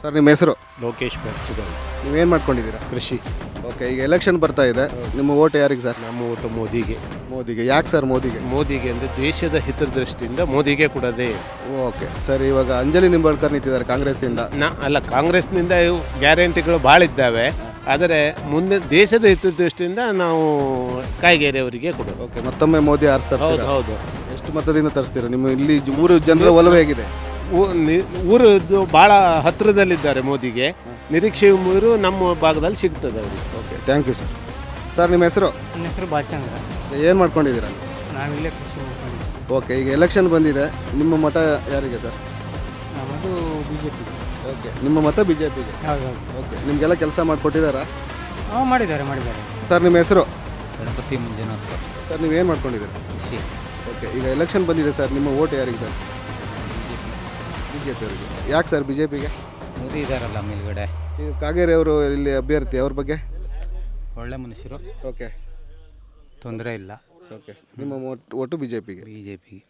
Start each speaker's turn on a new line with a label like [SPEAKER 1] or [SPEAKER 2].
[SPEAKER 1] Sir ನಿಮ್ಮ ಹೆಸರು?
[SPEAKER 2] ಲೋಕೇಶ್ ಬೆರ್ಸುಗಲ್.
[SPEAKER 1] ನೀವೇನು ಮಾಡ್ಕೊಂಡಿದ್ದೀರಾ?
[SPEAKER 2] ಕೃಷಿ.
[SPEAKER 1] ಓಕೆ, ಈಗ ಎಲೆಕ್ಷನ್ ಬರ್ತಾ ಇದೆ, ನಿಮ್ಮ ಓಟ್ ಯಾರಿಗೆ ಸರ್?
[SPEAKER 2] ನಮ್ಮ ಓಟು ಮೋದಿಗೆ.
[SPEAKER 1] ಮೋದಿಗೆ. ಯಾಕೆ ಸರ್ ಮೋದಿಗೆ?
[SPEAKER 2] ಮೋದಿಗೆ ಅಂದರೆ ದೇಶದ ಹಿತದೃಷ್ಟಿಯಿಂದ ಮೋದಿಗೆ ಕೊಡೋದೇ.
[SPEAKER 1] ಓಕೆ ಸರ್, ಇವಾಗ ಅಂಜಲಿ ನಿಂಬಾಳ್ಕರ್ ನಿಂತಿದ್ದಾರೆ ಕಾಂಗ್ರೆಸ್ಸಿಂದ.
[SPEAKER 2] ಕಾಂಗ್ರೆಸ್ನಿಂದ ಗ್ಯಾರಂಟಿಗಳು ಭಾಳ ಇದ್ದಾವೆ, ಆದರೆ ಮುಂದೆ ದೇಶದ ಹಿತದೃಷ್ಟಿಯಿಂದ ನಾವು ಕಾಯ್ಗೆರೆ ಅವರಿಗೆ ಕೊಡೋದು.
[SPEAKER 1] ಓಕೆ, ಮತ್ತೊಮ್ಮೆ ಮೋದಿ ಆರಿಸ್ತಾರೆ.
[SPEAKER 2] ಹೌದು ಹೌದು.
[SPEAKER 1] ಎಷ್ಟು ಮತದಿಂದ ತರಿಸ್ತೀರಾ? ನಿಮ್ಮ ಇಲ್ಲಿ ಊರು ಜನರ ಒಲವು ಹೇಗಿದೆ?
[SPEAKER 2] ಊರದ್ದು ಭಾಳ ಹತ್ತಿರದಲ್ಲಿದ್ದಾರೆ ಮೋದಿಗೆ. ನಿರೀಕ್ಷೆ ಊರು ನಮ್ಮ ಭಾಗದಲ್ಲಿ ಸಿಗ್ತದೆ ಅವರಿಗೆ.
[SPEAKER 1] Okay, thank you sir. Sir ನಿಮ್ಮ ಹೆಸರು?
[SPEAKER 3] ನನ್ನ ಹೆಸರು ಬಾಲಚಂದ್ರ.
[SPEAKER 1] ಏನು ಮಾಡ್ಕೊಂಡಿದ್ದೀರಾ?
[SPEAKER 3] ನಾವಿಲ್ಲೇ ಕೃಷಿ ಮಾಡ್ಕೊಂಡಿದ್ದೀವಿ.
[SPEAKER 1] ಓಕೆ, ಈಗ ಎಲೆಕ್ಷನ್ ಬಂದಿದೆ, ನಿಮ್ಮ ಮತ ಯಾರಿಗೆ ಸರ್?
[SPEAKER 3] ನಮ್ಮದು ಬಿ ಜೆ ಪಿ.
[SPEAKER 1] ಓಕೆ, ನಿಮ್ಮ ಮತ ಬಿ ಜೆ ಪಿಗೆ.
[SPEAKER 3] ಹೌದು ಹೌದು.
[SPEAKER 1] ಓಕೆ, ನಿಮಗೆಲ್ಲ ಕೆಲಸ ಮಾಡಿಕೊಟ್ಟಿದ್ದಾರಾ?
[SPEAKER 3] ಹಾಂ, ಮಾಡಿದ್ದಾರೆ.
[SPEAKER 1] ಸರ್ ನಿಮ್ಮ ಹೆಸರು?
[SPEAKER 3] ಗಣಪತಿ ಮಂಜುನಾಥ್.
[SPEAKER 1] ಸರ್ ನೀವೇನು ಮಾಡ್ಕೊಂಡಿದ್ದೀರಾ?
[SPEAKER 3] ಕೃಷಿ.
[SPEAKER 1] ಓಕೆ, ಈಗ ಎಲೆಕ್ಷನ್ ಬಂದಿದೆ ಸರ್, ನಿಮ್ಮ ಓಟ್ ಯಾರಿಗೆ ಸರ್? ಬಿ ಜೆ ಪಿ ಅವರಿಗೆ. ಯಾಕೆ ಸರ್ ಬಿ ಜೆ ಪಿಗೆ?
[SPEAKER 3] ಮೋದಿ ಇದ್ದಾರಲ್ಲ ಮೇಲ್ಗಡೆ.
[SPEAKER 1] ಈಗ ಕಾಗೇರಿ ಅವರು ಇಲ್ಲಿ ಅಭ್ಯರ್ಥಿ, ಅವ್ರ ಬಗ್ಗೆ?
[SPEAKER 3] ಒಳ್ಳೆ ಮನುಷ್ಯರು,
[SPEAKER 1] ಓಕೆ
[SPEAKER 3] ತೊಂದರೆ ಇಲ್ಲ.
[SPEAKER 1] ಓಕೆ, ನಿಮ್ಮ ಒಟ್ಟು ಬಿ ಜೆ ಪಿಗೆ.
[SPEAKER 3] ಬಿ ಜೆ ಪಿಗೆ.